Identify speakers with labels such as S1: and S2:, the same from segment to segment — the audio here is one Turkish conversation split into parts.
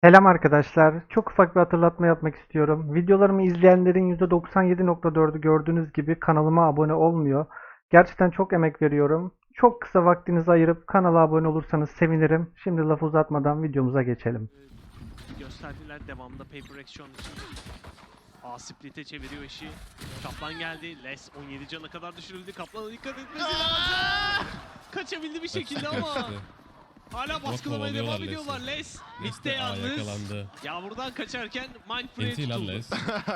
S1: Selam arkadaşlar. Çok ufak bir hatırlatma yapmak istiyorum. Videolarımı izleyenlerin %97.4'ü gördüğünüz gibi kanalıma abone olmuyor. Gerçekten çok emek veriyorum. Çok kısa vaktinizi ayırıp kanala abone olursanız sevinirim. Şimdi lafı uzatmadan videomuza geçelim.
S2: Gösterdiler devamında Paper Action için. Split'e çeviriyor işi. Kaplan geldi. Les 17 cana kadar düşürüldü. Kaplan'a dikkat etmesi lazım. Kaçabildi bir şekilde ama hala baskılamaya devam
S3: kovalıyorlar
S2: ediyorlar. Les bitti
S3: de
S2: yalnız.
S3: yakalandı.
S2: Yağmurdan kaçarken Mindfray'e
S3: Enti lan
S2: tutuldu.
S3: Les.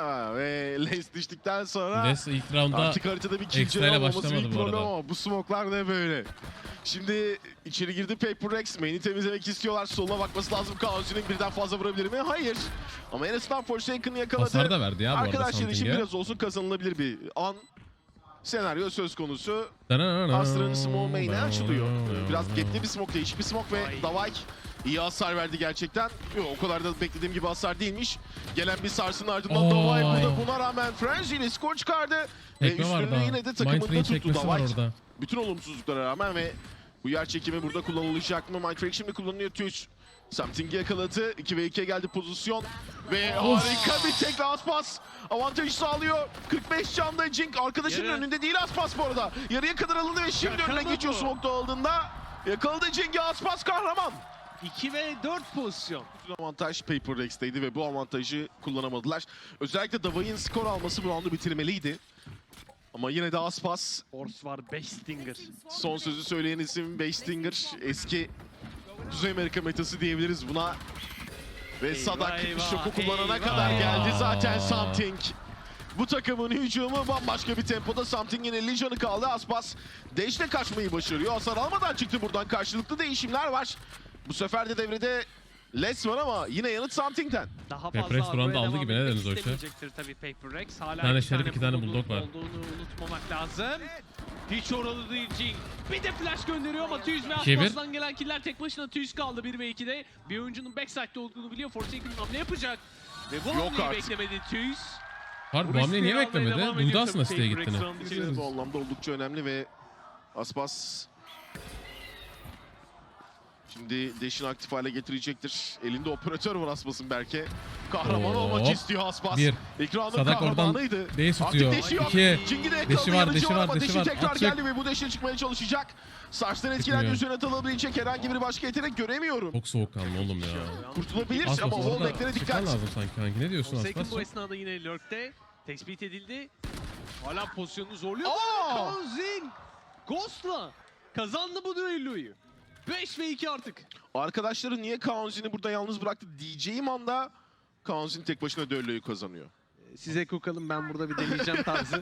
S4: Ve Les düştükten sonra
S3: Les ilk roundda
S4: artık haritada bir kill
S3: ekstrayla
S4: olmaması
S3: başlamadı
S4: büyük
S3: bu
S4: problem
S3: arada.
S4: ama bu smoke'lar ne böyle? Şimdi içeri girdi Paper Rex. Main'i temizlemek istiyorlar. Soluna bakması lazım. Kaosu'nun birden fazla vurabilir mi? Hayır. Ama en azından Forsaken'ı yakaladı.
S3: Hasar da verdi ya bu arada
S4: Arkadaşlar için
S3: Something'e.
S4: biraz olsun kazanılabilir bir an. Senaryo söz konusu. Astra'nın smoke main'e açılıyor. Biraz gapli bir smoke, değişik bir smoke ve Davay iyi hasar verdi gerçekten. Yok, o kadar da beklediğim gibi hasar değilmiş. Gelen bir sarsının ardından Davay burada buna rağmen Frenzy ile skor çıkardı. Ve
S3: Tekme var
S4: üstünde
S3: da.
S4: yine de takımında
S3: Mindfray'in
S4: tuttu
S3: çekmesi var
S4: Davay.
S3: orada.
S4: Bütün olumsuzluklara rağmen ve bu yer çekimi burada kullanılacak mı? Mindframe şimdi kullanılıyor Twitch. Something'i yakaladı. 2 ve 2'ye geldi pozisyon. Ve harika bir tek last pass. Avantajı sağlıyor. 45 canda Jink arkadaşının
S2: Yarı.
S4: önünde değil Aspas bu arada. Yarıya kadar alındı ve şimdi
S2: Yakaladı
S4: önüne geçiyor
S2: bu.
S4: smoke'da aldığında. Yakaladı Jink'i Aspas kahraman.
S2: 2 ve 4 pozisyon.
S4: Bütün avantaj Paper Rex'teydi ve bu avantajı kullanamadılar. Özellikle Davay'ın skor alması bu roundu bitirmeliydi. Ama yine de Aspas.
S2: Force var 5 Stinger.
S4: Son sözü söyleyen isim Beystinger. Eski Kuzey Amerika metası diyebiliriz buna. Ve
S2: Eyvah,
S4: Sadak
S2: eyvah,
S4: şoku kullanana
S2: eyvah.
S4: kadar geldi zaten Something. Bu takımın hücumu bambaşka bir tempoda. Something'in 50 canı kaldı. Aspas Dash'le kaçmayı başarıyor. Hasar almadan çıktı buradan. Karşılıklı değişimler var. Bu sefer de devrede Les var ama yine yanıt Something'den.
S2: Daha
S3: Paper
S2: fazla
S3: Rex buranın da
S2: argoya
S3: aldı
S2: devam
S3: gibi, ne
S2: etmek
S3: dediniz o işe?
S2: istemeyecektir tabii Paper Rex. Hala
S3: Bir tane
S2: iki
S3: Şerif, iki tane Bulldog var.
S2: Olduğunu unutmamak lazım. Hiç oralı değil Jing. Bir de flash gönderiyor ama Tüyüz ve
S3: İkiye bir.
S2: Aslas'tan gelen killer tek başına Tüyüz kaldı 1 ve 2'de. Bir oyuncunun backside'de olduğunu biliyor. Forsaken hamle yapacak. Ve bu
S4: Yok
S2: hamleyi
S4: artık.
S2: beklemedi Tüyüz.
S3: Harbi bu hamleyi niye beklemedi? Duydu aslında siteye gittiğini.
S4: Evet, bu anlamda oldukça önemli ve Aspas şimdi Dash'ini aktif hale getirecektir. Elinde operatör var Aspas'ın Berke. Kahraman
S3: Oo.
S4: olmak istiyor Aspas.
S3: Bir.
S4: Ekranın
S3: Sadak oradan
S4: kahramanıydı.
S3: Base
S4: Aktif
S3: tutuyor.
S4: Dash'i yok.
S3: İki.
S4: Jing'i de yakaladı.
S3: Deşi var,
S4: Yanıcı
S3: deşi var,
S4: ama
S3: deşi
S4: Dash'i
S3: var.
S4: tekrar
S3: Atacak.
S4: geldi ve bu Dash'e çıkmaya çalışacak. Saçtan etkilendi,
S3: Çıkmıyor.
S4: üzerine atılabilecek herhangi bir başka yetenek göremiyorum.
S3: Çok soğukkanlı oğlum ya.
S4: Kurtulabilir
S3: Aspas
S4: ama
S3: orada
S4: wallback'lere
S3: çıkman
S4: dikkat.
S3: lazım sanki kanki. Ne diyorsun
S2: Forsaken
S3: Aspas?
S2: bu esnada yine lurk'te. Tespit edildi. Hala pozisyonunu zorluyor.
S4: Aa!
S2: Kaozin Ghost'la kazandı bu düelloyu. 5 ve 2 artık.
S4: Arkadaşları niye Kaunzi'ni burada yalnız bıraktı diyeceğim anda Kaunzin tek başına döllüğü kazanıyor.
S2: Size kokalım, ben burada bir deneyeceğim tarzı.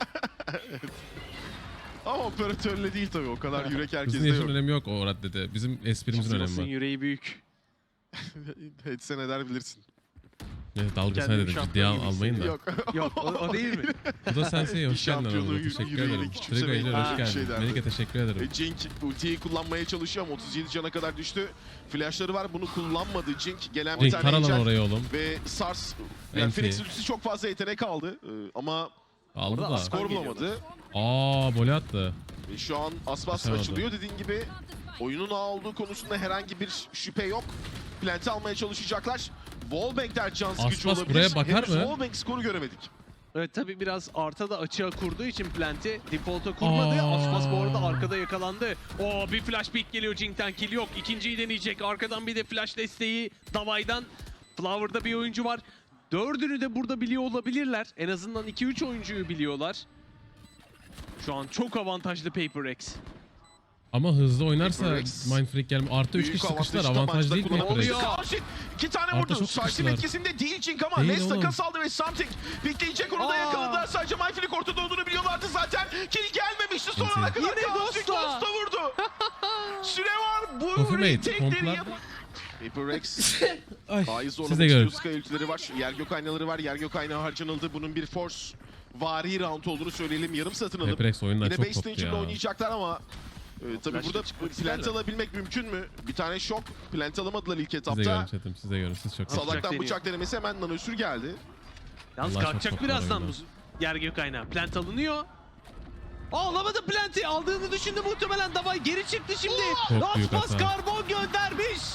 S4: Ama operatörle değil tabii, o kadar yürek
S3: Bizim
S4: herkeste
S3: yaşın
S4: yok.
S3: önemi yok o raddede. Bizim esprimizin önemi
S2: Aslas'ın
S3: var.
S2: yüreği büyük.
S4: Etse ne der bilirsin.
S3: Evet, dalgasına
S2: Kendimi
S3: dedim,
S2: şampiyon
S3: ciddiye
S2: gibi
S3: almayın da.
S4: Yok.
S2: Yok o değil mi?
S3: Bu da Sensei, hoş geldin
S4: Şampiyonluğu
S3: aramıza. Teşekkür
S4: yüreğiyle
S3: ederim.
S4: küçümsemeyin.
S3: Trigo ile hoş
S2: Ha,
S3: geldin.
S4: şey derdi.
S3: Melike teşekkür ederim.
S4: Jink ultiyi kullanmaya çalışıyor ama 37 cana kadar düştü. Flashları var, bunu kullanmadı Jink. Gelen bir
S3: Jink
S4: tane
S3: karalan
S4: ejder
S3: oraya oğlum.
S4: ve Sars. Yani
S3: Enti.
S4: Phoenix ultisi çok fazla yetenek aldı ama
S3: Aldı
S2: Orada
S3: da.
S2: Aspas-
S4: skor bulamadı.
S3: Voley attı.
S4: Ve şu an Aspas
S3: Kaçamadı.
S4: açılıyor dediğin gibi. Oyunun ağ olduğu konusunda herhangi bir şüphe yok. Plant'i almaya çalışacaklar. Wallbank'ler can sıkıcı
S3: Aspas
S4: olabilir.
S3: buraya bakar
S4: Henüz
S3: mı?
S4: Wallbank skoru göremedik.
S2: Evet tabi biraz Arta da açığa kurduğu için Plant'i default'a kurmadı. Aspas bu arada arkada yakalandı. Oo, bir flash pick geliyor Jing'den, kill yok. İkinciyi deneyecek. Arkadan bir de flash desteği Davay'dan. Flower'da bir oyuncu var. Dördünü de burada biliyor olabilirler. En azından 2-3 oyuncuyu biliyorlar. Şu an çok avantajlı Paper Rex.
S3: Ama hızlı oynarsa
S4: Paper Rex.
S3: Mindfreak gelme. Artı 3
S4: Büyük
S3: kişi sıkıştılar.
S4: avantajı
S3: Avantaj
S4: maçta
S3: değil mi Paper
S4: kullanabilir.
S3: Rex?
S4: Karşı 2 tane
S3: Arta
S4: vurdu.
S3: çok
S4: Sarsim
S3: sıkıştılar.
S4: etkisinde değil Jink ama
S3: Değil
S4: Les
S3: oğlum.
S4: takas aldı ve Something pikleyecek, onu da
S2: Aa.
S4: yakaladılar. Sadece Myflick ortada olduğunu biliyorlardı zaten. Kill gelmemişti, sonuna
S3: Enti.
S4: kadar
S2: Yine
S4: Kaosu'yu
S2: Ghost'la.
S4: Ghost'a vurdu. Süre var. Bu
S3: Coffee Mate,
S4: retake'leri
S3: pomplar.
S4: yap. Paper Rex.
S3: Ay,
S4: A'yı
S3: siz de
S4: zorlamak
S3: görün.
S4: istiyor. Sky ultileri var. Yer gök aynaları var. Yer gök aynağı harcanıldı. Bunun bir force vari round olduğunu söyleyelim. Yarım satın alıp
S3: Paper Rex oyundan
S4: yine
S3: çok
S4: base
S3: koptu
S4: stage'inde
S3: ya.
S4: oynayacaklar ama tabii
S2: Flash'la
S4: burada
S2: çıkmak
S4: plant
S2: isterler.
S4: alabilmek mümkün mü? Bir tane şok. Plant alamadılar ilk
S3: Siz de görün
S4: etapta.
S3: chatim, siz de görün. Siz çok
S2: Salak.
S4: Salaktan
S2: deniyor.
S4: bıçak denemesi, hemen nanosür geldi.
S2: Yalnız
S3: Allah çok
S2: kalkacak
S3: toplar
S2: birazdan bu
S3: oyunda.
S2: yer gök aynağı. Plant alınıyor. Alamadı Plant'i. Aldığını düşündü muhtemelen Davay. Geri çıktı şimdi.
S3: Çok büyük
S2: Aspas
S3: hata.
S2: karbon göndermiş.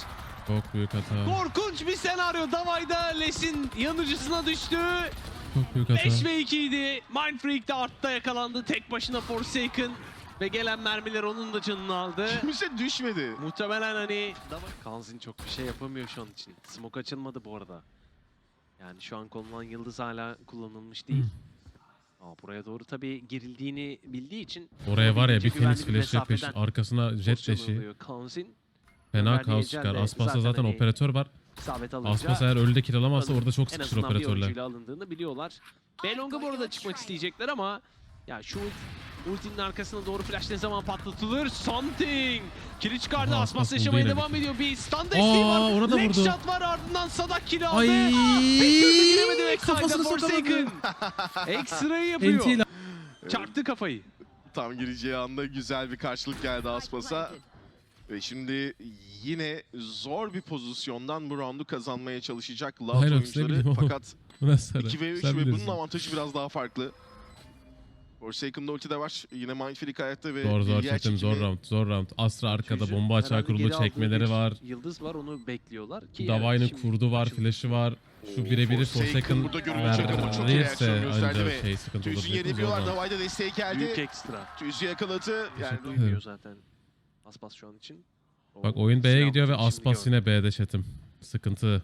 S3: Çok büyük hata.
S2: Korkunç bir senaryo. Davayda Les'in yanıcısına düştü.
S3: Çok büyük hata.
S2: 5 ve 2 idi. Mindfreak de artta yakalandı. Tek başına Forsaken. Ve gelen mermiler onun da canını aldı.
S4: Kimse düşmedi.
S2: Muhtemelen hani Kanzin çok bir şey yapamıyor şu an için. Smoke açılmadı bu arada. Yani şu an konulan yıldız hala kullanılmış değil. Buraya doğru tabii girildiğini bildiği için
S3: Oraya var ya bir
S2: olabildiğince
S3: Phoenix
S2: güvenli bir
S3: flash'ı peş,
S2: mesafeden
S3: arkasına jet
S2: pozisyon
S3: dash'i.
S2: alıyor Kanzin.
S3: Fena
S2: Verdiği
S3: kaos
S2: ecel
S3: çıkar.
S2: de
S3: Aspas'ta
S2: zaten
S3: zaten
S2: hani
S3: operatör var.
S2: isabet alınca
S3: Aspas eğer ölüde kill alamazsa orada çok
S2: en
S3: sıkışır
S2: azından bir
S3: operatörler.
S2: oyuncuyla alındığını biliyorlar. Belong'a bu arada çıkmak isteyecekler ama ya şu ultinin arkasına doğru flash ne zaman patlatılır? Something! Kili çıkardı.
S3: Aha,
S2: Aspas
S3: Aspas
S2: yaşamaya
S3: buldu yine
S2: devam
S3: bir
S2: ediyor. Bir stun desteği var.
S3: orada
S2: Leg
S3: vurdu.
S2: shot var, ardından Sadak kili aldı.
S3: Ay,
S2: Bir türlü giremedi
S3: kafasını
S2: backside'da Forsaken. Ekstra'yı yapıyor.
S3: NT ile
S2: Çarptı kafayı.
S4: Tam gireceği anda güzel bir karşılık geldi Aspas'a. Ve şimdi yine zor bir pozisyondan bu roundu kazanmaya çalışacak Loud
S3: Hayır, ne
S4: oyuncuları.
S3: bileyim ama.
S4: Fakat
S3: Nasıl?
S4: 2 ve 3
S3: Sen
S4: ve
S3: bilirsin.
S4: bunun avantajı biraz daha farklı. Forsaken'da ulti de var. Yine Mindfreak hayatta ve
S3: Zor
S4: yer
S3: çekim, zor
S4: çekimi.
S3: round, zor round. Astra arkada
S2: Çocuğun
S3: bomba açığa
S2: herhalde
S3: kurulu
S2: geri aldığı
S3: çekmeleri
S2: bir
S3: var.
S2: Yıldız var, onu bekliyorlar ki.
S3: Davay'ın
S2: şimdi
S3: kurdu var,
S2: açıldı.
S3: flash'ı var. Şu birebiri
S4: Forsaken
S3: Forsaken
S4: burada görülecek ama çok iyi reaksiyon
S3: verirse
S4: gösterdi
S3: ancak
S4: ve
S3: şey sıkıntı
S4: Tüyüz'ün
S3: olabilir.
S4: yerini biliyorlar. Davay'da desteği
S2: Büyük
S4: geldi.
S2: ekstra.
S4: Tüyüz'ü yakaladı. Yani
S3: Teşekkür
S2: Duymuyor
S3: ederim.
S2: zaten. Aspas şu an için.
S3: Bak oyun B'ye
S2: Silah
S3: gidiyor ve
S2: şimdi
S3: Aspas
S2: gördüm.
S3: yine B'de chat'im. Sıkıntı.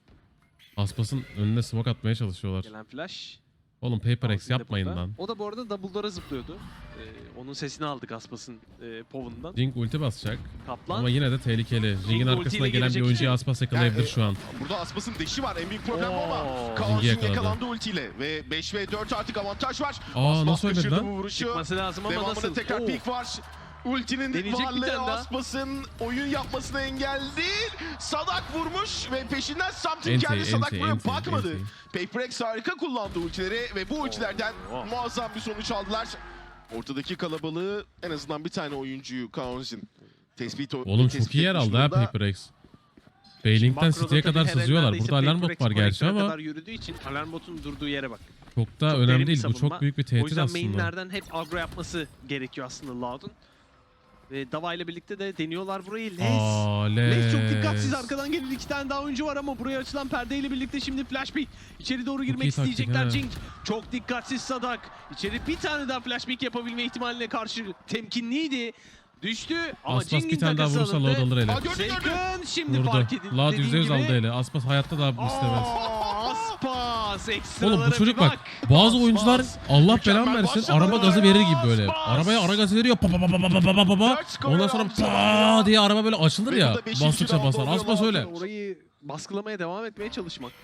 S3: Aspas'ın önüne smoke atmaya çalışıyorlar.
S2: Gelen flash.
S3: Oğlum Paper X
S2: Kanzin de
S3: yapmayın
S2: burada.
S3: lan.
S2: O da bu arada double door'a zıplıyordu. Onun sesini aldık Aspas'ın povundan.
S3: Jing ulti basacak
S2: Kaplan.
S3: ama yine de tehlikeli. Jing'in
S2: ultiyle
S3: arkasına gelen bir
S2: gelecek
S3: oyuncuyu
S2: için-
S3: Aspas yakalayabilir
S4: Yani,
S3: şu an.
S4: Burada Aspas'ın deşi var. En büyük problem bu ama
S2: Oo.
S4: Kaos'un
S3: Zingi yakaladı.
S4: yakalandı ultiyle ve 5 ve 4 artık avantaj var.
S3: Aa,
S4: Aspas
S3: nasıl ölmedi
S4: kaçırdı
S3: lan?
S4: bu vuruşu.
S2: Çıkması lazım ama
S4: Devamında
S2: nasıl?
S4: tekrar
S2: Oo.
S4: pik var. Ultinin
S2: Deneyecek bir
S4: varlığı
S2: tane daha.
S4: Aspas'ın oyun yapmasına engel değil. Sadak vurmuş ve peşinden Something
S3: Enti,
S4: geldi. Sadak
S3: enti,
S4: buraya
S3: enti,
S4: bakmadı.
S3: enti.
S4: Paper X harika kullandı ultileri ve bu ultilerden
S2: Oo.
S4: muazzam bir sonuç aldılar. Ortadaki kalabalığı en azından bir tane oyuncuyu Kaos'un tespit
S3: Oğlum çok iyi yer aldı ha Paper X. Bailing'den
S2: Makroda
S3: City'ye
S2: tabii
S3: kadar
S2: her
S3: sızıyorlar.
S2: neredeyse
S3: Burada alarm
S2: Paper
S3: bot var
S2: X
S3: gerçi
S2: connector'a
S3: ama
S2: kadar yürüdüğü için alarm botun durduğu yere bak.
S3: çok da
S2: Çok
S3: önemli
S2: derin bir
S3: değil. Bu
S2: savunma.
S3: çok büyük bir
S2: O
S3: tehdit
S2: yüzden
S3: aslında.
S2: mainlerden hep agro yapması gerekiyor aslında Loud'un. Ve Dava ile birlikte de deniyorlar burayı. Les çok dikkatsiz, arkadan gelen 2 tane daha oyuncu var ama buraya açılan perdeyle birlikte şimdi flash pick. İçeri doğru girmek
S3: iyi taktik
S2: isteyecekler
S3: ha.
S2: Jing. Çok dikkatsiz Sadak. İçeri bir tane daha flash pick yapabilme ihtimaline karşı temkinliydi. Düştü ama
S3: Aspas
S2: Jing'in
S3: bir tane daha
S2: takası
S3: vurursa
S2: alındı.
S3: Load alır ele.
S4: Aa, gördü.
S2: Shaken şimdi
S3: Vurdu.
S2: fark edildi.
S3: Loud
S2: dediğin
S3: %100
S2: gibi.
S3: aldı ele. Aspas hayatta da istemez.
S2: Aspas ekstralara
S3: Oğlum bu çocuk
S2: bir
S3: bak. Bazı
S2: Aspas.
S3: oyuncular Allah
S4: Mükemmel
S3: belanı versin
S4: başladı.
S3: araba gazı verir gibi böyle.
S2: Aspas.
S3: Arabaya ara gazı veriyor. Pa pa pa pa pa pa pa pa pa.
S4: Dört skor
S3: Ondan sonra
S4: yaptı.
S3: pa diye araba böyle açılır
S4: Ve
S3: ya.
S4: bu da beşinci
S3: Bastıkça
S4: round
S3: basar.
S4: oluyor
S3: Aspas
S4: Loud'un.
S3: öyle.
S2: Orayı baskılamaya devam etmeye çalışmak.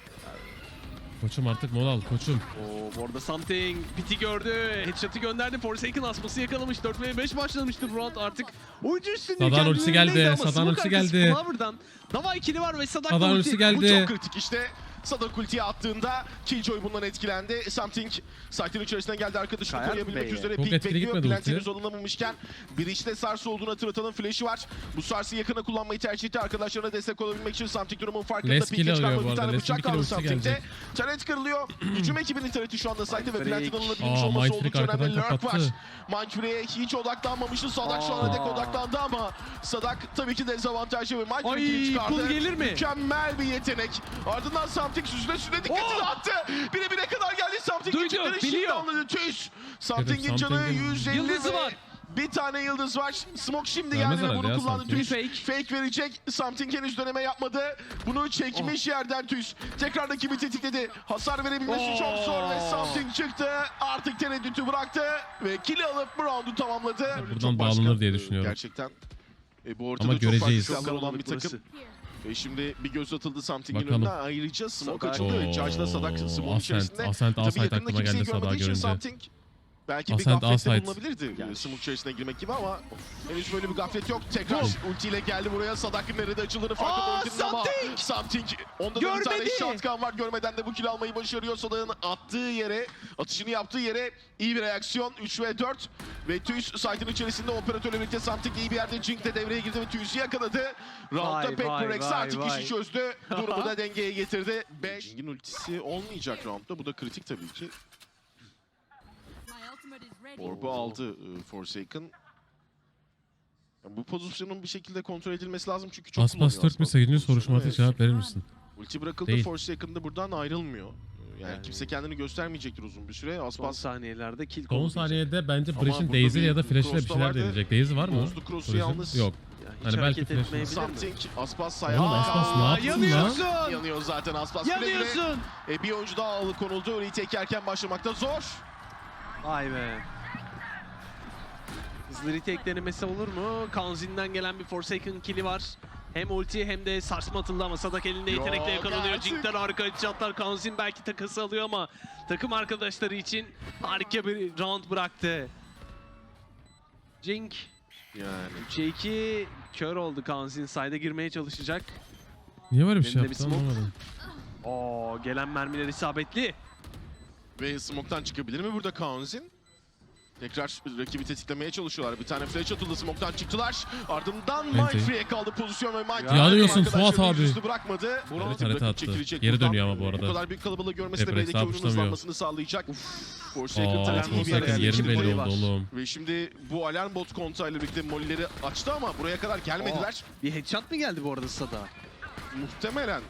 S3: Koçum artık mola al koçum.
S2: Oo, bu arada Something piti gördü. Headshot'ı gönderdi. Forsaken Aspas'ı yakalamış. 4 ve 5 başlamıştı bu round artık. Oyuncu üstünlüğü
S3: Sadan
S2: kendilerindeydi
S3: ultisi geldi,
S2: ama
S3: Sadan
S2: smoke
S3: ultisi
S2: arkası
S3: geldi.
S2: Flower'dan Dava ikili var ve Sadak
S3: Sadan
S2: ulti.
S3: ultisi
S4: Bu
S3: geldi.
S4: çok kritik işte. Sadak ultiye attığında Killjoy bundan etkilendi. Something site'in içerisinden geldi, arkadaşını
S2: Kayar
S4: koruyabilmek
S2: Bey'e.
S4: üzere
S3: Çok
S4: pik
S3: etkili
S4: bekliyor.
S3: gitmedi
S4: Plant'i
S3: ulti.
S4: henüz alınamamışken bir işte Sarsı olduğunu hatırlatalım. Flash'i var. Bu Sars'ı yakına kullanmayı tercih etti. Arkadaşlarına destek olabilmek için Something durumun farkında.
S3: Les
S4: Pik'e
S3: kill alıyor
S4: çıkarma
S3: bu
S4: bir
S3: arada.
S4: tane
S3: Les'in
S4: bıçak
S3: bir kill
S4: kaldı
S3: ultisi
S4: Something'de.
S3: gelecek.
S4: Taret kırılıyor. Hücum ekibinin tareti şu anda site'de ve Plant'in alınabilmiş
S3: Aa,
S4: olması
S3: Mindfreak
S4: oldukça önemli.
S3: arkadan
S4: Lurk var.
S3: kapattı.
S4: Mindfreak'e hiç odaklanmamıştı. Sadak şu ana dek odaklandı ama Sadak tabii ki dezavantajlı ve Mindfreak'i
S2: Ay,
S4: çıkardı.
S2: kul gelir mi?
S4: Mükemmel bir yetenek. Ardından Something süzüle süzüle dikkatini attı. Bire bire kadar geldi Something.
S2: Duydu,
S4: Geçitleri şimdi
S2: biliyor.
S4: anladı. Tüz. Something'in canı
S3: Something'in
S4: 150
S2: yıldızı
S4: ve
S2: var.
S4: bir tane yıldız var. Smoke şimdi
S3: Vermez
S4: geldi ve
S3: herhalde
S4: bunu
S3: ya
S4: kullandı.
S3: Something.
S4: Tüz. Fake verecek. Something henüz döneme yapmadı. Bunu çekmiş yerden Tüz. Tekrar rakibi tetikledi. Hasar verebilmesi çok zor ve Something çıktı. Artık tereddütü bıraktı ve kill'i alıp bu roundu tamamladı.
S3: buradan
S4: Çok
S3: bağlanır
S4: başka,
S3: diye düşünüyorum.
S4: Gerçekten. Bu ortada
S3: Ama
S4: çok farklı
S3: göreceğiz.
S4: silahlar olan bir
S2: Kalabalık
S4: takım.
S2: burası.
S4: Ve şimdi bir göz atıldı Something'in
S3: Bakalım.
S4: önüne. Ayrıca smoke
S2: Sadak.
S4: açıldı. Charge'la Sadak smoke içerisinde.
S3: Ascent
S4: Tabii
S3: Asayt
S4: yakında
S3: aklıma
S4: kimseyi
S3: geldi Sadak'ı
S4: görmediği için
S3: görünce.
S4: Something belki bir
S3: Ascent,
S4: gaflette
S3: Asayt.
S4: bulunabilirdi. Smoke içerisine girmek gibi ama henüz böyle bir gaflet yok. Tekrar ultiyle geldi buraya. Sadak'ın nerede açıldığını farkında ultinin ama Something. Onda da bir tane
S2: Görmedi.
S4: shotgun var. Görmeden de bu kill almayı başarıyor. Sadak'ın attığı yere, atışını yaptığı yere iyi bir reaksiyon. 3 ve 4 ve Tüys site'in içerisinde operatörle birlikte Something iyi bir yerde. Jink de devreye girdi ve Tüys'ü yakaladı. Round'da
S2: Vay,
S4: Paper
S2: vay,
S4: X
S2: vay,
S4: artık
S2: vay.
S4: işi çözdü. Durumu da dengeye getirdi. Jink'in ultisi olmayacak roundda. Bu da kritik tabii ki. Orb'u aldı Forsaken. Bu pozisyonun bir şekilde kontrol edilmesi lazım çünkü çok
S3: Aspas
S4: kullanıyor
S3: Türk bir sayıcı
S4: pozisyonu.
S3: soruşturması
S4: Evet.
S3: cevap verir misin?
S4: Ulti bırakıldı,
S3: Değil.
S4: Forsaken'da buradan ayrılmıyor. Yani kimse kendini göstermeyecektir uzun bir süre.
S2: Son
S4: Aspas
S2: saniyelerde kill
S3: Son
S2: kovalayacak.
S3: saniyede bence
S4: Ama
S3: Breach'in
S4: burada
S3: Daisy ya da
S4: bir
S3: Flash'le bir
S4: cross da
S3: şeyler
S4: vardı.
S3: deneyecek. Daisy var mı?
S4: Bozdu cross'u
S3: Breach'in?
S4: yalnız.
S3: Yok.
S2: Ya hiç
S3: Hani belki
S2: hareket
S3: flash-
S2: etmeyebilir mi?
S4: Something Aspas
S3: Oğlum
S4: ayağa
S3: Aspas ne yaptın lan?
S2: Yanıyorsun!
S4: yanıyor zaten Aspas. Güle güle.
S2: Yanıyorsun!
S4: Bir oyuncu daha alıkonuldu. Retake erken başlamakta zor.
S2: Vay be. Hızlı retake denemesi olur mu? Kanzin'den gelen bir Forsaken kill'i var. Hem ulti hem de sarsma atıldı ama Sadak elinde
S4: Yok
S2: yetenekle yakalanıyor.
S4: artık.
S2: Jink'ten harika headshotlar. Kanzin belki takası alıyor ama takım arkadaşları için harika bir round bıraktı. Jink
S4: Yani
S2: 3'e 2 kör oldu. Kanzin side'e girmeye çalışacak.
S3: Niye böyle bir şey
S2: Elinde bir
S3: yaptı
S2: smoke.
S3: anlamadım.
S2: Gelen mermiler isabetli.
S4: ve smoke'tan çıkabilir mi burada Kaunzin? Tekrar rakibi tetiklemeye çalışıyorlar. Bir tane flash atıldı, smoke'tan çıktılar. Ardından
S3: Bence.
S4: Mindfree'ye kaldı pozisyon ve Mindfree
S3: Yanıyorsun
S4: arkadaşlarını
S3: Fuat abi.
S4: yüzüstü bırakmadı.
S3: Evet,
S4: Bırakıp
S3: harita attı.
S4: çekilecek
S3: Geri
S4: buradan.
S3: dönüyor ama bu arada.
S4: Bu kadar büyük kalabalığı görmesi de
S3: Pepper
S4: B'deki oyunun
S3: hesabı
S4: hızlanmasını sağlayacak. Forsaken
S3: Aa,
S4: tarafı iyi bir
S2: Forsaken
S4: yere
S3: Forsaken
S2: yerleşti.
S3: yerin
S4: yerleştirdi.
S3: belli oldu oğlum.
S4: Ve şimdi bu alarm bot kontağıyla birlikte mollileri açtı ama buraya kadar gelmediler.
S2: Bir headshot mı geldi bu arada Sada?
S4: Muhtemelen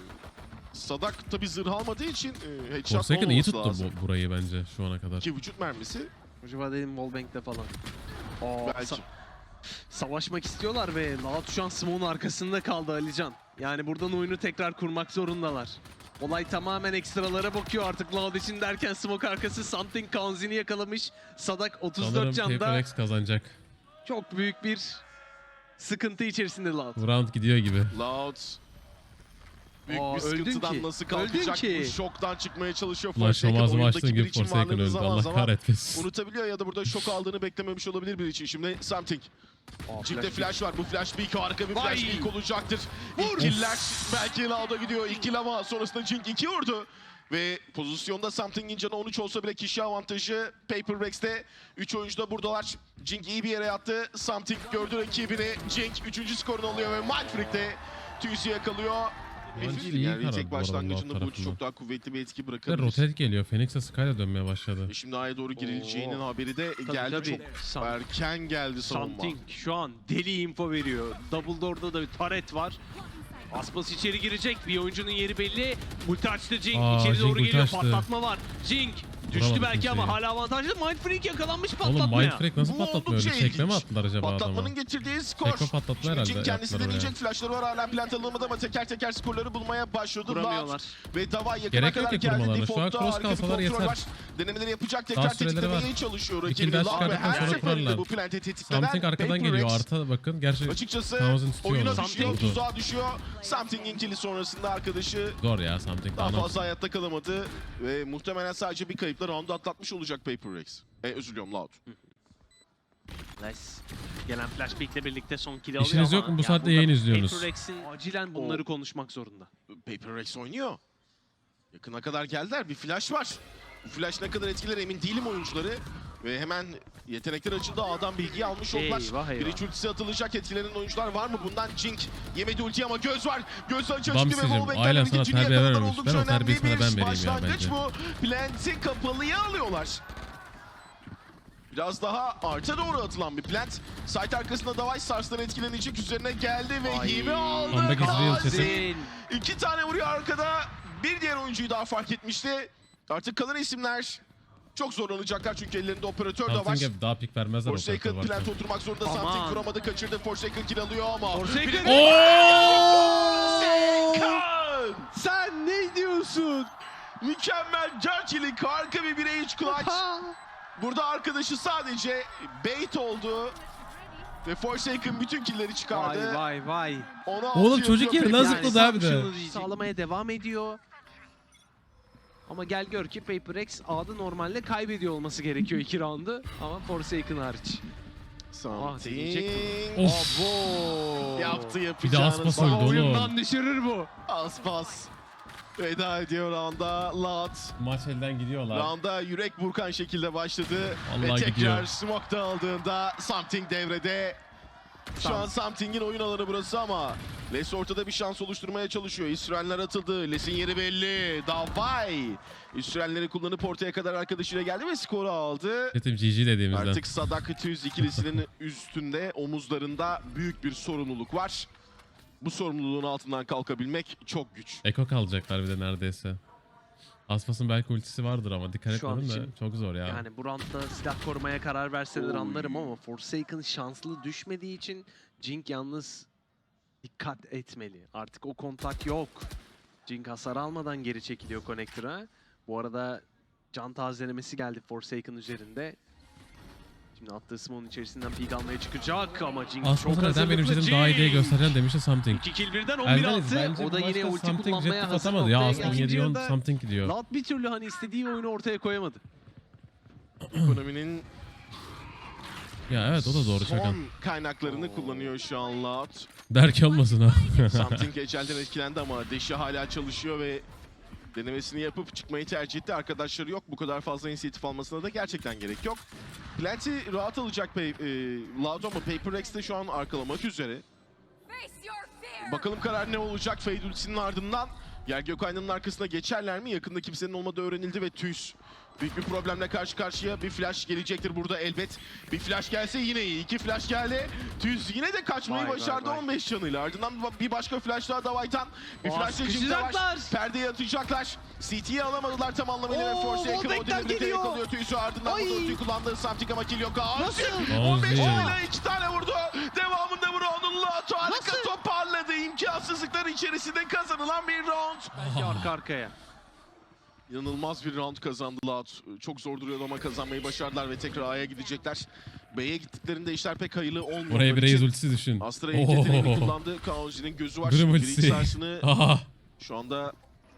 S4: Sadak tabi zırh almadığı için headshot
S3: Forsaken iyi
S4: olmaması
S3: tuttu
S4: lazım.
S3: burayı bence şu ana kadar.
S4: Ki vücut mermisi
S2: Acaba dedim Wallbank'te falan.
S4: belki.
S2: Savaşmak istiyorlar ve Loud şu an Smoke'un arkasında kaldı Alican. Yani buradan oyunu tekrar kurmak zorundalar. Olay tamamen ekstralara bakıyor artık Loud için derken Smoke arkası Something Kanzin'i yakalamış. Sadak 34
S3: Sanırım
S2: canda
S3: Paper X kazanacak.
S2: çok büyük bir sıkıntı içerisinde Loud.
S3: Bu round gidiyor gibi.
S4: Loud büyük
S2: Aa,
S4: bir
S2: öldün
S4: sıkıntıdan
S2: ki.
S4: nasıl
S2: Öldün
S4: kalkacak?
S2: ki.
S4: Bu şoktan çıkmaya çalışıyor.
S3: Ulan
S4: Forsaken
S3: şomazımı
S4: oyundaki
S3: açtığın
S4: bir
S3: gibi
S4: için
S3: Forsaken
S4: varlığını
S3: öldü.
S4: zaman
S3: Allah
S4: zaman
S3: kahretmesin.
S4: unutabiliyor ya da burada şok aldığını beklememiş olabilir bir için. Şimdi Something. Cidde flash var. Bu flash peek harika bir
S2: Vay!
S4: flash peek olacaktır. İlk killer belki Loud'a gidiyor. İlk kill ama sonrasında Jink 2 vurdu. Ve pozisyonda Something'in canı 13 olsa bile kişi avantajı Paper Rex'te. 3 oyuncu da buradalar. Jink iyi bir yere yattı. Something gördü rakibini. Jink 3. skorunu alıyor ve Mindfreak'te Tüysü yakalıyor.
S3: Bence
S4: Bir
S3: iyi
S4: yani
S3: karar
S4: tek
S3: bu arada
S4: başlangıcında
S3: Loud
S4: bu
S3: tarafından.
S4: çok daha kuvvetli bir etki
S3: Bir de
S4: bırakabilir.
S3: rotate geliyor. Phoenix'e Sky'la dönmeye başladı.
S4: Şimdi A'ya doğru girileceğinin
S2: Oo.
S4: haberi de geldi.
S2: tabii.
S4: Çok erken geldi savunma.
S2: Something şu an deli info veriyor. Double Door'da da bir taret var. Aspas içeri girecek. Bir oyuncunun yeri belli. Ulti açtı Jink.
S3: Aa,
S2: İçeri
S3: Jink
S2: doğru
S3: ulti
S2: geliyor.
S3: açtı.
S2: Patlatma var. Jink düştü
S3: Vuramadı
S2: belki ama
S3: kimseyi.
S2: hala avantajlı. Mindfreak yakalanmış
S3: Oğlum
S2: patlatmaya.
S3: Mindfreak nasıl
S4: Bu
S3: patlatmıyor öyle?
S4: oldukça
S3: Çekme mi
S4: ilginç.
S3: attılar acaba adama?
S4: Patlatmanın getirdiği skor.
S3: Tekme patlatma
S4: Şimdi
S3: herhalde
S4: Jink kendisi
S3: yaptılar
S4: deneyecek.
S3: oraya.
S4: Flashları var hala plant alınmadı ama teker teker skorları bulmaya başladı.
S2: Kuramıyorlar.
S4: Loud ve Davay yakına
S3: Gerek yok
S4: kadar
S3: ki
S4: geldi.
S3: kurmalarına. Şu an
S4: Default'ta
S3: cross
S4: harika bir
S3: kalsalar
S4: kontrol
S3: yeter.
S4: var. Denemeleri yapacak.
S3: Daha
S4: Tekrar
S3: süreleri
S4: tetiklemeye
S3: var.
S4: çalışıyor.
S3: Bir
S4: Rakibini
S3: kill daha
S4: Loud ve
S3: çıkardıktan
S4: her
S3: sonra
S4: seferinde
S3: kurarlar.
S4: bu plant'i tetikleyen
S3: Something arkadan
S4: Paper
S3: geliyor.
S4: Rex
S3: Arta bakın. Gerçi
S4: açıkçası
S3: Kamaz'ın tutuyor
S4: oyuna
S3: onu.
S4: düşüyor,
S3: Vurdu.
S4: tuzağa düşüyor. Something'in kili sonrasında arkadaşı
S3: Zor ya Something.
S4: daha
S3: Daha
S4: fazla hayatta kalamadı ve muhtemelen sadece bir kayıpla roundu atlatmış olacak Paper Rex. Özür diliyorum Loud.
S2: Nice. Gelen flashback'le birlikte son kill'i alıyor
S3: İşiniz
S2: ama
S3: yok mu? Bu
S2: ya
S3: saatte
S2: burada
S3: yayın izliyorsunuz.
S2: Paper Rex'in acilen bunları konuşmak zorunda.
S4: Paper Rex oynuyor. Yakına kadar geldiler. Bir flash var. Bu flash ne kadar etkiler emin değilim oyuncuları. Ve hemen yetenekler açıldı. A'dan bilgiyi almış oldular.
S2: Eyvah, eyvah.
S4: Bir iç ultisi atılacak. Etkilenen oyuncular var mı? Bundan Jink yemedi ulti ama göz var. Göz açı açtı ve
S3: Bamsicim,
S4: Wallbank'ten
S3: ailen sana
S4: ikincini
S3: terbiye
S4: yakaladılar.
S3: vermemiş.
S4: Oldukça
S3: Ben o
S4: önemli
S3: terbiyeyi sana
S4: bir
S3: ben vereyim ya
S4: başlangıç
S3: bence.
S4: bu. Plant'i kapalıya alıyorlar. Biraz daha arta doğru atılan bir plant. Site arkasında Davay Sars'tan etkilenecek. Üzerine geldi ve
S2: Ay.
S4: yemi aldı.
S3: Comeback is real
S4: Gazi.
S3: sesim.
S4: 2 tane vuruyor arkada. Bir diğer oyuncuyu daha fark etmişti. Artık kalan isimler çok zorlanacaklar çünkü ellerinde operatör de var.
S3: Something'e daha pik vermezler o
S4: Forsaken
S3: tarafa
S4: plant
S3: varken.
S4: oturmak zorunda.
S2: Aman.
S4: Something vuramadı, kaçırdı. Forsaken kill alıyor ama.
S2: Forsaken!
S4: Forsaken!
S2: Sen ne diyorsun?
S4: Mükemmel Churchill'in harika bir birey iç clutch. Burada arkadaşı sadece bait oldu. Ve Forsaken bütün killleri çıkardı.
S2: Vay vay vay.
S4: Ona
S3: Oğlum
S4: altı
S3: çocuk
S4: yapıyor
S3: yeri
S4: Paper
S3: nasıl
S4: Rex.
S3: zıpladı abi de?
S2: Şunu sağlamaya devam ediyor. Ama gel gör ki Paper Rex A'da normalde kaybediyor olması gerekiyor 2 roundu. Ama Forsaken hariç. deneyecek
S4: Something.
S3: Of.
S2: Abo.
S4: Yaptı
S3: Bir de
S4: yapacağını.
S3: Aspas
S2: Aa,
S3: öldü oğlum.
S2: oyundan düşürür bu.
S4: Aspas. Veda ediyor rounda. Loud.
S3: Maç elden gidiyorlar.
S4: Rounda yürek burkan şekilde başladı. Ve
S3: Vallahi
S4: tekrar
S3: gidiyor.
S4: smoke aldığında Something devrede. Şu an Something'in oyun alanı burası ama Les ortada bir şans oluşturmaya çalışıyor. İsrailler atıldı. Les'in yeri belli. Davay. İsrailleri kullanıp ortaya kadar arkadaşıyla geldi ve skoru aldı.
S3: Tetim GG dediğimizden.
S4: Artık Sadak 200 ikilisinin üstünde, omuzlarında büyük bir sorumluluk var. Bu sorumluluğun altından kalkabilmek çok güç.
S3: Eko kalacaklar bir de neredeyse. Aspas'ın belki ultisi vardır ama dikkat
S2: Şu an
S3: etmedim de
S2: için
S3: çok zor ya.
S2: Yani bu roundda silah korumaya karar verseler anlarım ama Forsaken şanslı düşmediği için Jink yalnız dikkat etmeli. Artık o kontak yok. Jink hasar almadan geri çekiliyor Connector'a. Bu arada can tazelemesi geldi Forsaken üzerinde. Şimdi attığı smoke'un içerisinden peek almaya çıkacak ama Jink çok
S3: Aspas'ın neden
S2: hazırlıklı.
S3: benim jetim daha iyi diye göstereceğim demişti Something.
S2: 2 kill birden 11
S3: Eldeniz
S2: attı.
S3: bence
S2: O da
S3: bu
S2: yine
S3: maçta
S2: ulti
S3: Something
S2: kullanmaya
S3: jetif
S2: hazır
S3: atamadı. Ya
S2: noktaya
S3: Aspas
S2: geldi.
S3: 7
S2: İkinci
S3: Something gidiyor.
S2: Loud bir türlü hani istediği oyunu ortaya koyamadı.
S4: Ekonominin
S3: Ya evet o da doğru Çakan.
S4: son kaynaklarını kullanıyor şu an Loud.
S3: Derki olmasın ha.
S4: Something ecelden etkilendi ama Deşi hala çalışıyor ve denemesini yapıp çıkmayı tercih etti. Arkadaşları yok. Bu kadar fazla inisiyatif almasına da gerçekten gerek yok. Plenty rahat alacak Loud ama Paper Rex de şu an arkalamak üzere. Bakalım karar ne olacak Fade ultisinin ardından. Yer Gökaynan'ın arkasına geçerler mi? Yakında kimsenin olmadığı öğrenildi ve Tüys büyük bir problemle karşı karşıya. Bir flash gelecektir burada elbet. Bir flash gelse yine iyi. 2 flash geldi. Tüys yine de kaçmayı başardı 15 canıyla. Ardından bir başka flash daha Davay'tan. Bir flash da Jim'de var. Perdeye atacaklar. CT'yi alamadılar tam anlamıyla ve Forsaken o devirde tek alıyor Tüys'ü. Ardından bu ultiyi kullandığı Something ama kill yok. Nasıl? 15 canıyla 2 tane vurdu. Devamında bu round'un Loud harika toparladı. İmkansızlıklar içerisinde kazanılan bir round.
S2: Belki arka arkaya.
S4: İnanılmaz bir round kazandı Loud. Çok zor duruyordu ama kazanmayı başardılar ve tekrar A'ya gidecekler. B'ye gittiklerinde işler pek hayırlı olmuyor.
S3: Oraya bir Raze ultisi düşün.
S4: Astra ilk yeteneğini kullandı. Kaonji'nin gözü var.
S3: Grim
S4: Şimdi
S3: ultisi.
S4: ilk sarsını
S3: Aha.
S4: şu anda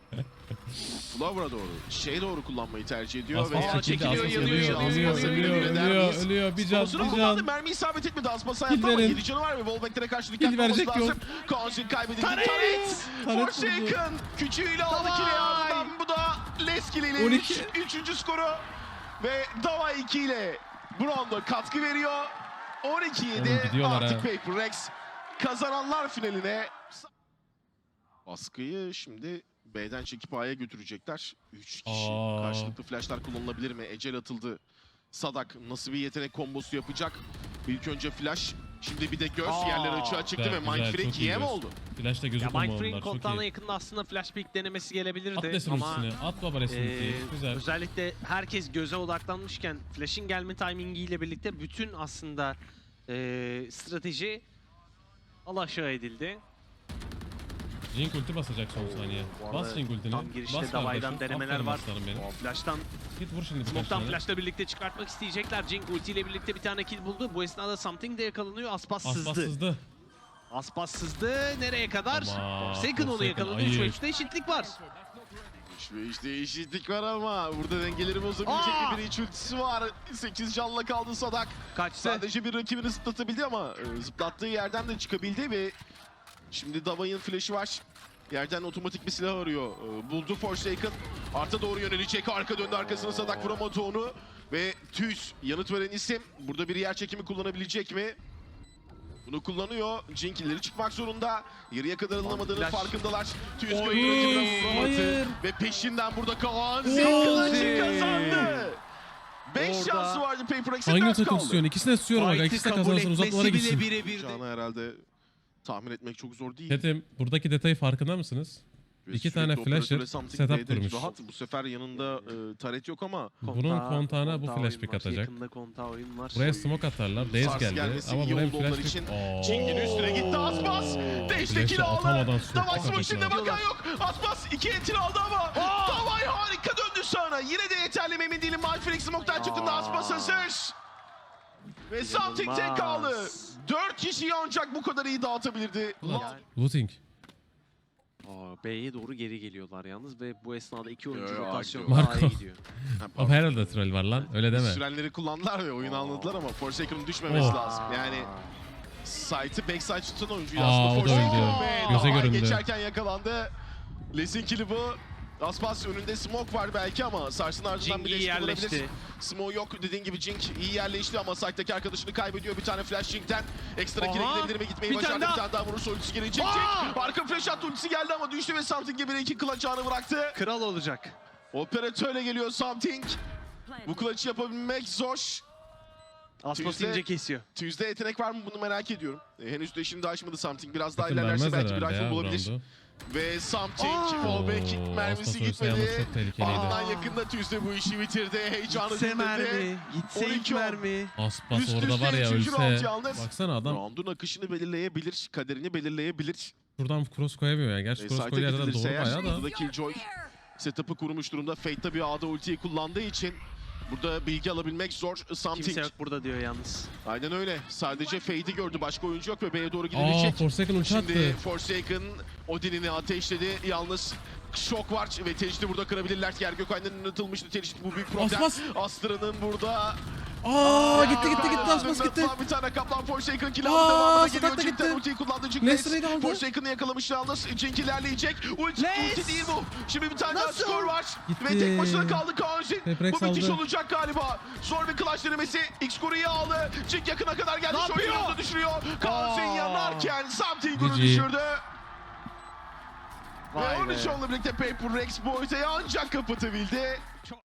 S4: Flower'a doğru, doğru kullanmayı tercih ediyor.
S3: Aspas
S4: ve
S3: çekildi. Aspas ölüyor. Bir can,
S4: Sponsor'u
S3: bir
S4: kullandı.
S3: can.
S4: Mermi isabet etmedi. Aspas
S3: Kill
S4: hayatta ama
S3: verin.
S4: 7 canı var ve Wallback'lere karşı
S3: Kill
S4: dikkatli olması
S3: verecek
S4: lazım.
S3: yok.
S4: Kaonji kaybedildi.
S2: Taret!
S4: Taret! Forsaken küçüğüyle aldı kili ardından. Bu da Leskill ile
S3: 12.
S4: 3. skoru. Ve Dava 2 ile bu rounda katkı veriyor. 12-7
S3: Oğlum gidiyorlar
S4: artık
S3: ha.
S4: Paper Rex kazananlar finaline. Baskıyı şimdi B'den çekip A'ya götürecekler. 3 kişi.
S3: Aa.
S4: Karşılıklı flashlar kullanılabilir mi? Ecel atıldı. Sadak nasıl bir yetenek kombosu yapacak? İlk önce flash. Şimdi bir de göz yerleri açığa çıktı
S3: Güzel,
S4: ve
S3: güzel,
S4: Mindfreak
S3: çok iyi
S4: yem
S3: göz.
S4: oldu.
S3: Flash'ta gözü
S2: Ya Mindfreak
S3: kullanmadılar. Çok
S2: kontağına
S3: iyi.
S2: yakında aslında flash pick denemesi gelebilirdi
S3: At Lesin
S2: ama
S3: ultisini. At baba Lesin ultiyi. Güzel.
S2: özellikle herkes göze odaklanmışken flash'in gelme timingiyle birlikte bütün aslında strateji alaşağı edildi.
S3: Jink ulti basacak son saniye.
S2: Bu arada
S3: Bas Jink ultini.
S2: tam girişte
S3: Bas
S2: Davay'dan
S3: kardeşim.
S2: denemeler
S3: Aferin
S2: var.
S3: aslanım benim.
S2: O flash'tan
S3: Git vur şimdi birkaç
S2: Smoke'tan
S3: tane.
S2: flash'la birlikte çıkartmak isteyecekler. Jink ultiyle birlikte bir tane kill buldu. Bu esnada Something de yakalanıyor. Aspas
S3: Aspas
S2: sızdı.
S3: sızdı.
S2: Aspas sızdı. Nereye kadar?
S3: Ama
S2: Forsaken onu
S3: Forsaken
S2: yakaladı.
S3: ayı.
S2: 3-3'te eşitlik var.
S4: İşte eşitlik var ama burada dengeleri bozabilecek
S2: Aa!
S4: bir iç ultisi var. 8 canla kaldı Sadak.
S2: Kaçtı.
S4: Sadece bir rakibini zıplatabildi ama zıplattığı yerden de çıkabildi ve şimdi Davay'ın flash'ı var. Yerden otomatik bir silah arıyor. Buldu Forsaken. Arta doğru yönelecek. Arka döndü arkasına Sadak vuramadı onu. Ve Tüys yanıt veren isim. Burada bir yer çekimi kullanabilecek mi? Bunu kullanıyor. Jinkilleri çıkmak zorunda. Yarıya kadar alınamadığının
S2: Flash.
S4: farkındalar. Tüys
S2: Oy,
S4: rakibine vuramadı.
S3: hayır.
S4: Ve peşinden burada Kaan
S2: Oy.
S4: Kılıç'ı kazandı. 5
S2: Orada
S4: şansı vardı Paper X'in
S3: Hangi
S4: 4
S3: takım
S4: kaldı.
S3: istiyorsun? İkisini de istiyorum aga.
S2: Fight'ı
S3: İkisi de
S2: kabul
S3: kazansın. Uzatmalara
S2: etmesi bile
S3: gitsin.
S2: birebirdi.
S4: Canı herhalde tahmin etmek çok zor değil.
S3: Tetim buradaki detayı farkında mısınız? İki tane
S4: Sürekli
S3: flasher
S4: operatörle something
S3: setup
S4: B'de
S3: kurmuş.
S4: Rahat. Bu sefer yanında taret yok ama
S3: Bunun kontağına bu
S2: kontağı
S3: flash
S2: oyun
S3: pick
S2: var.
S3: atacak.
S2: Yakında kontağı oyun var.
S3: Buraya smoke atarlar. Daze
S4: Sars
S3: geldi.
S4: gelmesi
S3: Ama
S4: iyi
S3: buraya
S4: oldu
S3: flash
S4: onlar
S3: pick.
S4: için.
S3: Oo.
S4: Cenk'in üstüne gitti Aspas. Deşteki
S3: Flash'ı
S4: aldı.
S3: atamadan smoke
S4: Davay
S3: atacak
S4: smoke'inde
S3: ya.
S4: bakan yok. Aspas 2 entry aldı ama Davay harika döndü sonra. Yine de yeterli mi emin değilim. Mindfreak smoke'tan çıktığında Aspas hazır. Ve something tek kaldı. 4 kişiyi ancak bu kadar iyi dağıtabilirdi.
S3: Looting.
S2: B'ye doğru geri geliyorlar yalnız ve bu esnada iki oyuncu
S4: Yo,
S2: rotasyonda
S3: Marco.
S2: A'ya gidiyor.
S3: Ama herhalde troll var lan. Öyle deme.
S4: Sürenleri kullandılar ve oyunu anladılar ama Forsaken'ın düşmemesi
S3: Oh.
S4: lazım. Yani site'ı backside tutan oyuncu
S3: Aa,
S4: aslında
S3: o da
S4: Forsaken
S3: öldü.
S4: ve
S3: Göze
S4: Davay
S3: göründü.
S4: geçerken yakalandı. Les'in kill'i bu. Aspas önünde smoke var belki ama Sars'ın ardından
S2: Jing
S4: bir
S2: iyi
S4: de kullanabilir.
S2: yerleşti.
S4: Smoke yok dediğin gibi Jing iyi yerleşti ama site'daki arkadaşını kaybediyor. Bir tane flash Jing'den ekstra kill'e
S2: Aha,
S4: gidebilir mi? Gitmeyi
S2: bir
S4: başardı.
S2: tane
S4: Bir tane daha vurursa ultisi gelecek.
S2: Aa!
S4: Jing arka flash attı, ultisi geldi ama düştü ve Something'e bir iki clutch anı bıraktı.
S2: Kral olacak.
S4: Operatörle geliyor Something. Bu clutch'ı yapabilmek zor.
S2: Aspas
S4: Tuesday-
S2: ince kesiyor.
S4: Tuesday yetenek var mı bunu merak ediyorum. Henüz de şimdi açmadı Something. Biraz daha
S3: Bakın
S4: ilerlerse
S3: vermezler
S4: belki bir
S3: herhalde
S4: rifle
S3: ya
S4: bulabilir.
S3: roundu.
S4: Ve Something
S2: Aa!
S4: fallback
S3: Oo,
S4: mermisi
S3: Aspas ölse yalnız
S4: gitmedi.
S3: çok tehlikeliydi.
S4: Ardından yakında Tuesday bu işi bitirdi. Heyecanı
S2: Gitse
S4: dinledi.
S2: mermi. Gitse
S4: 12
S2: ilk mermi.
S3: Aspas
S4: Üst
S3: orada
S4: üste
S3: var ya
S4: üçüncü round
S3: ölse.
S4: yalnız.
S3: Baksana adam
S4: Round'un akışını belirleyebilir, kaderini belirleyebilir.
S3: şuradan cross koyamıyor ya. Gerçi cross
S4: Site'e
S3: koyduğu yerden
S4: gidilirse
S3: doğru
S4: eğer,
S3: bayağı da.
S4: burada da Killjoy setup'ı kurmuş durumda. Fate tabii A'da ultiyi kullandığı için burada bilgi alabilmek zor. Something.
S2: Kimse yok burada diyor yalnız.
S4: Aynen öyle. Sadece Fade'i gördü. Başka oyuncu yok ve B'ye doğru
S3: Aa
S4: gidilecek.
S3: Forsaken ulti
S4: Şimdi
S3: attı.
S4: Forsaken Odin'ini ateşledi. Yalnız şok var ve Tecdi burada kırabilirler. Yer Gökhan'dan atılmıştı Tecdi, bu büyük problem.
S3: Aspas.
S4: Astra'nın burada...
S3: Aa gitti Aspas
S4: Aslında
S3: gitti.
S4: Bir tane kaplan Forsaken kill
S3: Aa,
S4: aldı. Devamına geliyor.
S3: Stack'ta
S4: Jink'ten
S3: gitti.
S4: ultiyi kullandı. Jink
S3: Lester'ı da aldı.
S4: Forsaken'ı yakalamış yalnız. Jink ilerleyecek. Ulti
S2: Les!
S4: değil bu. Şimdi bir tane daha
S2: Nasıl?
S4: skor var.
S3: Gitti.
S4: Ve tek başına kaldı Kaan Jin.
S3: Peprex
S4: Bu müthiş
S3: aldı.
S4: olacak galiba. Zor bir clutch denemesi. X-Score'u iyi aldı. Jink yakına kadar geldi.
S2: Ne
S4: Şöyle
S2: yapıyor?
S4: yolda düşürüyor. Kaan Jin
S2: Aa.
S4: yanarken Something'ı
S3: GG.
S4: düşürdü. Ve
S2: Vay be.
S4: 13 onunla birlikte Paper Rex bu ortayı ancak kapatabildi.